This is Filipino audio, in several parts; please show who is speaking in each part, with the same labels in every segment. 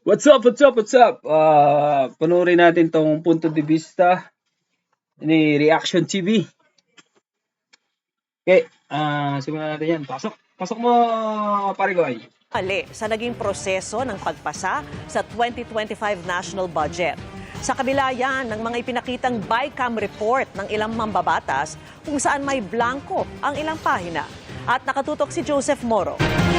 Speaker 1: What's up, what's up, what's up? Panoorin natin tong punto de vista ni Reaction TV. Okay, simulan natin yan. Pasok mo, Parigoy.
Speaker 2: Ali sa naging proseso ng pagpasa sa 2025 national budget. Sa kabila yan ng mga ipinakitang BICAM report ng ilang mambabatas kung saan may blanco ang ilang pahina. At nakatutok si Joseph Moro.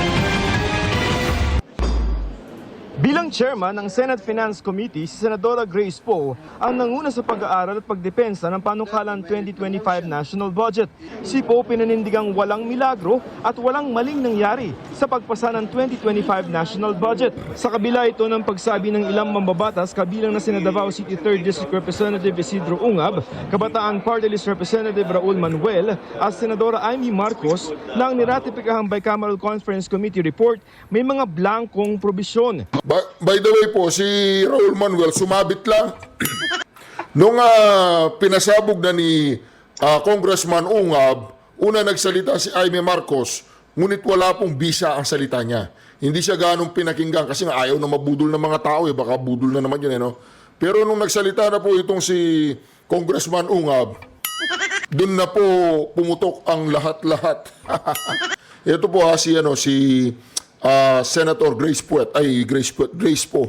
Speaker 3: Bilang chairman ng Senate Finance Committee, si Senadora Grace Poe ang nanguna sa pag-aaral at pagdepensa ng panukalang 2025 national budget. Si Poe pinanindigang walang milagro at walang maling nangyari sa pagpasa ng 2025 national budget. Sa kabila ito ng pagsabi ng ilang mambabatas kabilang na sina Davao City 3rd District Representative Isidro Ungab, Kabataan Party List Representative Raul Manuel at Senadora Amy Marcos na ang niratipikahang Bicameral Conference Committee report may mga blankong probisyon.
Speaker 4: By the way po, si Raul Manuel sumabit lang. Nung pinasabog na ni Congressman Ungab, una nagsalita si Amy Marcos, ngunit wala pong bisa ang salita niya. Hindi siya ganong pinakinggan kasi nga ayaw na mabudol ng mga tao, baka budol na naman yun. Pero nung nagsalita na po itong si Congressman Ungab, dun na po pumutok ang lahat-lahat. Ito po si Senator Grace Poe. Grace Poe.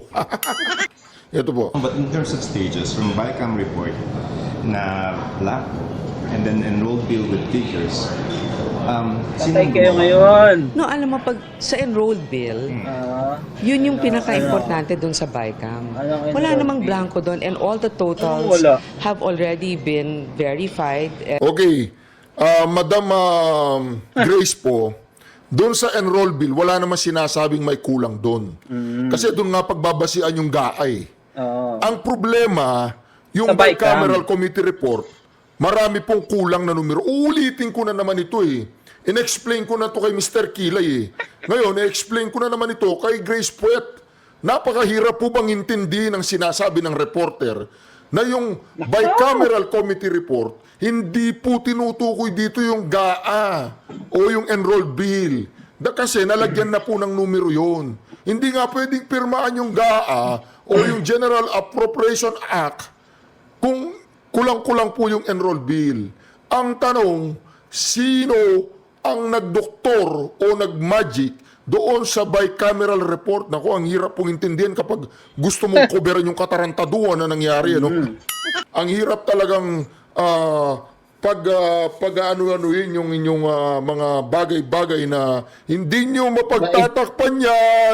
Speaker 4: Ito po.
Speaker 5: But in terms of stages, from BICAM report na black and then enrolled bill with figures,
Speaker 1: Patay kayo ngayon.
Speaker 6: No, alam mo, pag sa enrolled bill, yun yung pinaka-importante doon sa BICAM. Wala namang blanco doon and all the totals have already been verified.
Speaker 4: Okay. Madam Grace Poe, doon sa enroll bill, wala naman sinasabing may kulang doon. Kasi doon nga pagbabasian yung GAA. Ang problema, yung bicameral committee report, marami pong kulang na numero. Uulitin ko na naman ito In-explain ko na to kay Mr. Kilay Ngayon, i-explain ko na naman ito kay Grace Poe. Napakahirap po bang intindihin ang sinasabi ng reporter na yung bicameral committee report, hindi po tinutukoy dito yung GAA o yung enrolled bill. Kasi nalagyan na po ng numero yun. Hindi nga pwedeng pirmaan yung GAA o yung General Appropriation Act kung kulang-kulang po yung enrolled bill. Ang tanong, sino ang nagdoktor o nagmagic doon sa bicameral report? Naku, ang hirap pong intindihan kapag gusto mong coveran yung katarantaduhan na nangyari. Ang hirap talagang pag-ano-anuhin yung inyong mga bagay-bagay na hindi nyo mapagtatakpan yan.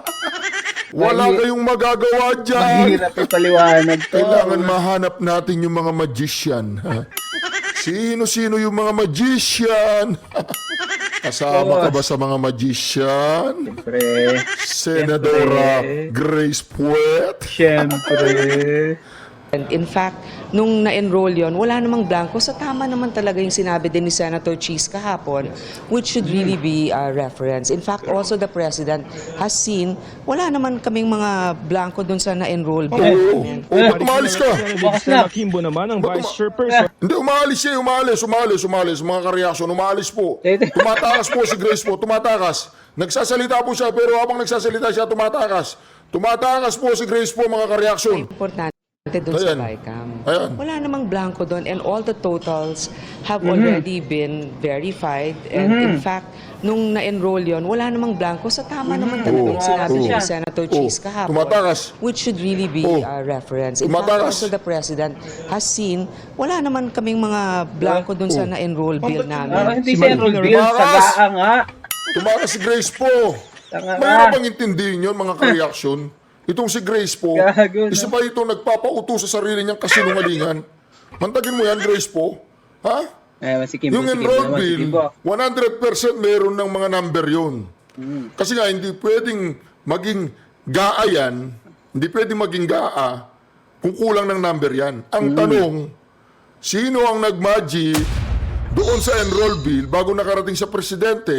Speaker 4: Wala kayong magagawa dyan.
Speaker 1: Mahirap ipaliwanag to.
Speaker 4: Kailangan mahanap natin yung mga magician. Sino-sino yung mga magician? Kasama ka ba sa mga magician?
Speaker 1: Siyempre.
Speaker 4: Senadora Grace Poe?
Speaker 1: Siyempre.
Speaker 6: And in fact, nung na-enroll yon, wala namang blanco. So tama naman talaga yung sinabi din ni Senator Cheese kahapon, which should really be a reference. In fact, also the President has seen, wala naman kaming mga blanco dun sa na-enroll.
Speaker 4: Ba't umalis ka?
Speaker 3: Senator Kimbo naman ang Vice Chairperson.
Speaker 4: Hindi, umalis siya. Umalis. Mga kareaksyon, umalis po. Tumatakas po si Grace po. Tumatakas. Nagsasalita po siya, pero habang nagsasalita siya, tumatakas. Tumatakas po si Grace po, mga kareaksyon.
Speaker 6: Importante doon sa BICAM. Wala namang blanco doon and all the totals have already been verified. And in fact, nung na-enroll yon, wala namang blanco. So tama naman talaga yung sinabi ni Senator Cheese kahapon.
Speaker 4: Tumatakas.
Speaker 6: Which should really be a reference. In fact, also the President has seen, wala naman kaming mga blanco doon sa na-enroll bill namin.
Speaker 1: Hindi siya enrolled bill. Sa GAA nga.
Speaker 4: Tumakas si Grace po. Mayroon bang intindihin yun, mga kareaksyon? Itong si Grace po, isa pa itong nagpapauto sa sarili niyang kasinungalingan. Mantagin mo yan, Grace po. Ha? Yung enrolled bill, 100% meron ng mga number yun. Kasi nga, hindi pwedeng maging GAA yan, hindi pwedeng maging GAA kung kulang ng number yan. Ang tanong, sino ang nagmagic doon sa enrolled bill bago nakarating sa presidente,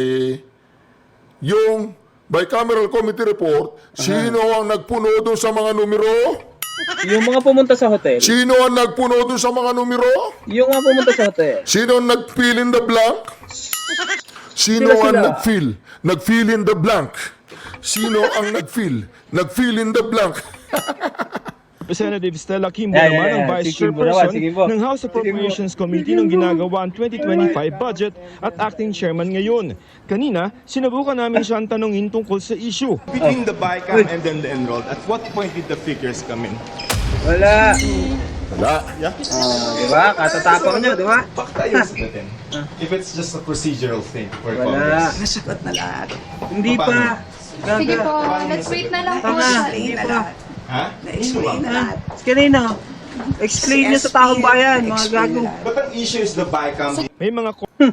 Speaker 4: yung bicameral committee report, sino ang nagpuno doon sa mga numero?
Speaker 1: Yung mga pumunta sa hotel.
Speaker 4: Sino ang nagpuno doon sa mga numero?
Speaker 1: Yung mga pumunta sa hotel.
Speaker 4: Sino ang nag-fill in the blank? Sino ang nag-fill in the blank? Sino ang nag-fill? Nag-fill in the blank.
Speaker 3: Representative Stella Kimbo
Speaker 1: Yeah,
Speaker 3: naman
Speaker 1: yeah,
Speaker 3: ang
Speaker 1: yeah.
Speaker 3: Vice
Speaker 1: Si Kimbo naman,
Speaker 3: Chairperson
Speaker 1: si Kimbo.
Speaker 3: ng House Appropriations Committee nung ginagawa ang 2025 budget at acting chairman ngayon. Kanina, sinubukan namin siyang tanungin tungkol sa issue.
Speaker 5: Between the BICAM and then the enrolled, at what point did the figures come in?
Speaker 1: Wala.
Speaker 4: Wala.
Speaker 1: Di ba? Katatapang nyo, di ba?
Speaker 5: Pakta yung sagutin. If it's just a procedural thing for
Speaker 1: Wala.
Speaker 5: Congress.
Speaker 7: Nasagot na lahat.
Speaker 1: Hindi pa.
Speaker 8: Sige
Speaker 1: Gaga.
Speaker 8: po, let's wait na lang po.
Speaker 7: Na-explain na lahat.
Speaker 5: Ha?
Speaker 7: Na-explain na lahat.
Speaker 1: Kanina, explain nyo sa taong bayan, mga gago.
Speaker 5: But ang issue is the BICAM.
Speaker 3: May mga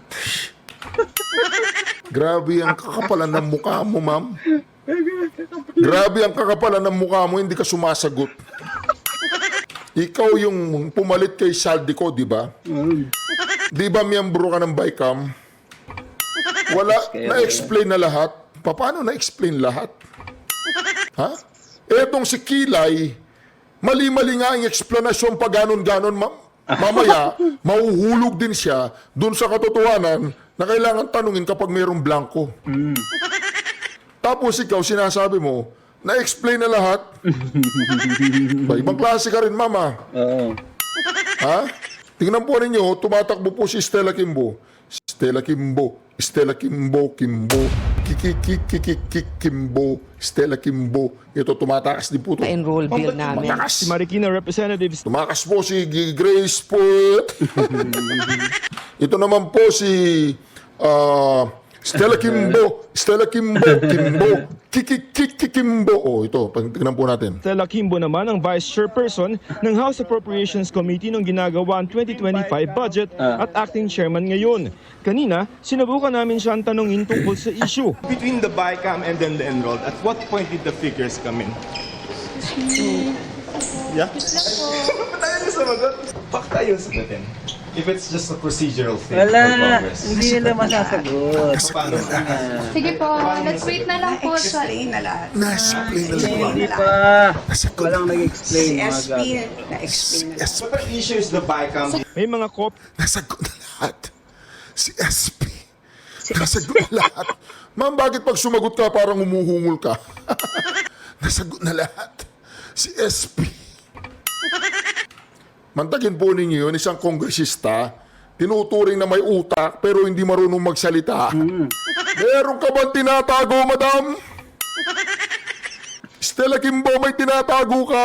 Speaker 4: Grabe ang kakapalan ng mukha mo, ma'am. Grabe ang kakapalan ng mukha mo, hindi ka sumasagot. Ikaw yung pumalit kay Saldico, di ba? Di ba miyembro ka ng BICAM? Wala, na-explain na lahat. Paano na-explain lahat? Ha? Etong si Kilay, mali-mali nga ang explanasyon pa ganon-ganon, ma'am. Mamaya, mahuhulog din siya dun sa katotohanan na kailangan tanungin kapag mayroong blanco. Tapos ikaw, sinasabi mo, na-explain na lahat. Ba, ibang klase ka rin, mama.
Speaker 1: Oo.
Speaker 4: Ha? Tingnan po ninyo, tumatakbo po si Stella Kimbo. Stella Kimbo, Stella Kimbo, Kimbo, Kimbo, Stella Kimbo. Ito, tumatakas din po ito.
Speaker 6: enroll bill namin.
Speaker 3: si Marikina Representatives
Speaker 4: Tumakas po si Grace po. Ito naman po si Stella Kimbo, Kimbo. Oh, ito, tingnan po natin.
Speaker 3: Stella Kimbo naman ang Vice Chairperson ng House Appropriations Committee nung ginagawa ang 2025 budget at acting chairman ngayon. Kanina, sinubukan namin siyang tanungin tungkol sa issue.
Speaker 5: Between the BICAM and then the enrolled, at what point did the figures come in? Yeah? Ba't tayo na sumagot? Pakta yung sagutin. If it's just a procedural thing for
Speaker 1: Wala.
Speaker 5: Congress.
Speaker 1: Hindi nila masasagot.
Speaker 5: Paano?
Speaker 8: Sige po, let's wait na lang po sa...
Speaker 7: Na-explain na lahat.
Speaker 4: Na-explain na lahat.
Speaker 1: Hindi pa. Walang
Speaker 7: Si
Speaker 1: nag-explain, mga
Speaker 7: SP,
Speaker 1: gago.
Speaker 7: na-explain na lahat.
Speaker 5: But the issue is the BICAM.
Speaker 3: May mga
Speaker 4: Nasagot na lahat. Si SP. Nasagot na lahat. Ma'am, bakit pag sumagot ka parang umuhungol ka? Nasagot na lahat. Si SP. Mantakin po ninyo yun, isang kongresista, tinuturing na may utak pero hindi marunong magsalita. Meron ka bang tinatago, madam? Stella Kimbo, may tinatago ka?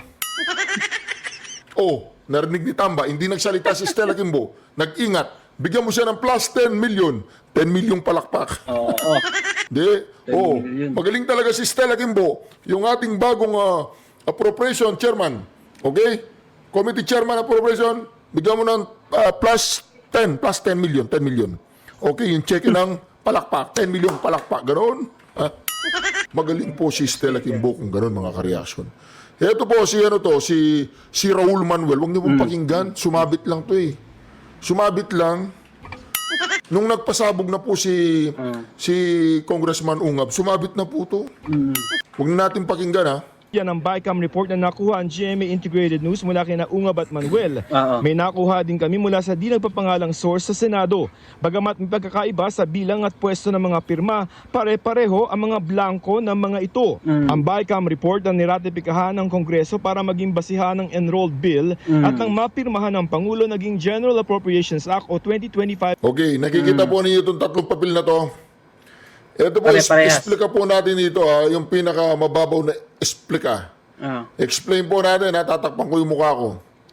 Speaker 4: Oh, narinig ni Tamba, hindi nagsalita si Stella Kimbo. Nag-ingat. Bigyan mo siya ng plus 10 million. 10 million palakpak.
Speaker 1: Oo.
Speaker 4: Di? Oh,
Speaker 1: million.
Speaker 4: magaling talaga si Stella Kimbo. Yung ating bagong appropriation chairman. Okay? Committee chairman appropriation, bigyan mo ng plus 10 million, 10 million. Okay, yung check ng palakpak, 10 million palakpak, ganoon. Magaling po si Stella Kimbo kung ganoon mga ka-reaction. Ito po si Raul Manuel, huwag niyo pong pakinggan, sumabit lang to eh. Sumabit lang. Nung nagpasabog na po si Congressman Ungab, sumabit na po to. Huwag na natin pakinggan ha.
Speaker 3: Yan ang BICAM report na nakuha ang GMA Integrated News mula kina Ungab at Manuel. May nakuha din kami mula sa di nagpapangalang source sa Senado. Bagamat may pagkakaiba sa bilang at pwesto ng mga pirma, pare-pareho ang mga blanko ng mga ito. Ang BICAM report na niratipikahan ng Kongreso para maging basihan ng enrolled bill at nang mapirmahan ng Pangulo naging General Appropriations Act o 2025.
Speaker 4: Okay, nakikita po ninyo itong tatlong papel na to. Ito po,
Speaker 1: Pare-parehas.
Speaker 4: explica po natin dito yung pinaka mababaw na explica. Explain po natin, tatakpan ko yung mukha ko.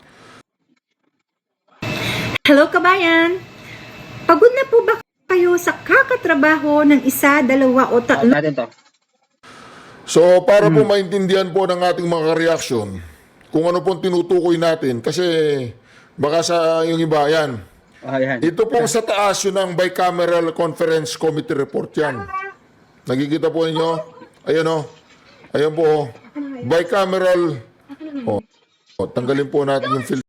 Speaker 9: Hello kabayan! Pagod na po ba kayo sa kakatrabaho ng isa, dalawa o tatlo?
Speaker 1: Natin to.
Speaker 4: So, para po maintindihan po ng ating mga reaction, kung ano pong tinutukoy natin, kasi baka sa yung iba, yan.
Speaker 1: Ayan.
Speaker 4: Ito pong sa taas yun ang Bicameral Conference Committee Report yan. Nakikita po ninyo? Ayan o. Ayan po. Bicameral. Tanggalin po natin yung filter.